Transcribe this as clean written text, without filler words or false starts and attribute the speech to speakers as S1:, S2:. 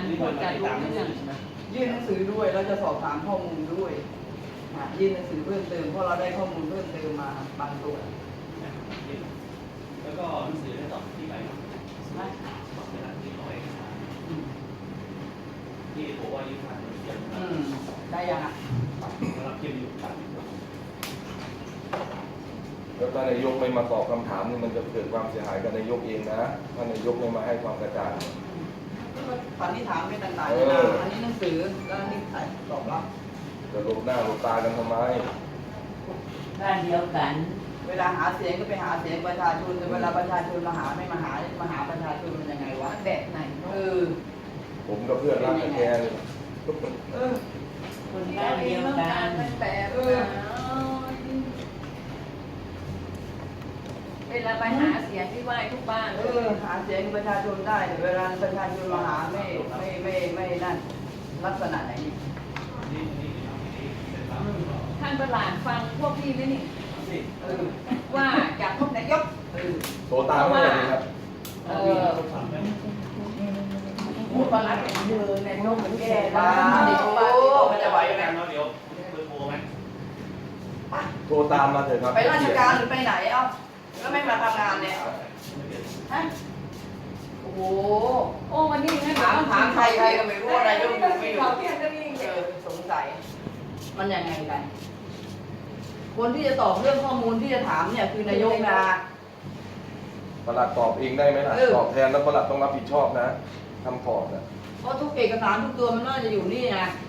S1: ควรจะรู้เรื่อง
S2: ยื่นหนังสือด้วยแล้วจะสอบถามข้อมูลด้วยยื่นหนังสือเพิ่มเติมเพราะเราได้ข้อมูลเพิ่มเติมมาบางตัว
S3: แล้วก็หนังสือได้ตอบที่ไปบอกเป็นหลักที่ร้อยที่บอกว่ายื่นผ่านเขียน
S2: ได้ยังอ่ะ
S3: เราเขียนอยู่ผ่าน
S4: แล้วถ้านายกไม่มาตอบคำถามนี่มันจะเกิดความเสียหายกับนายกเองนะถ้านายกไม่มาให้ความกระจ่าง
S2: สันนิษฐานไม่ต่างๆนะอันนี้หนังสือแล้วนี่ตอบรับ
S4: จะหลบหน้าหลบตากันทำไม
S1: บ้านเดียวกัน
S2: เวลาหาเสียงก็ไปหาเสียงประชาชนแต่เวลาประชาชนมาหาไม่มาหาประชาชนมันยังไงวะแบบไหน
S4: ผมกับเพื่อนรักกันแค่เลย
S1: คนบ้านเดียวกัน
S2: แบบ
S1: เวลาไปหาเสียงที่ไหว้ทุกบ้าน
S2: หาเสียงประชาชนได้แต่เวลาประชาชนมาหาไม่นั่นลักษณะไหน
S1: ท่านประหลาดฟังพวกพี่ไหมนี่ว่าจากพวกนายก
S4: โทรตามว่าอะไรครับ
S2: พูดประหลาดเดินในโลกมันแก่บ้ามันจะไหวไหม
S3: เดี๋ยวเบอร์โทรไหม
S4: โทรตามมาเถอะครับ
S2: ไปราชการหรือไปไหนเอ้าแล้วไม่มาทำงานเนี่ยฮะโอ้โห
S1: วันนี้
S2: ถามใครก็ไม่รู้อะไรยกอยู่ไม่อยู่สงสัยมันยังไงกันคนที่จะตอบเรื่องข้อมูลที่จะถามเนี่ยคือนายกนะ
S4: ประหลัดตอบเองได้ไหมล่ะตอบแทนแล้วประหลัดต้องรับผิดชอบนะทำตอบนะ
S2: เพราะทุกเอกสารทุกตัวมันน่าจะอยู่นี่นะ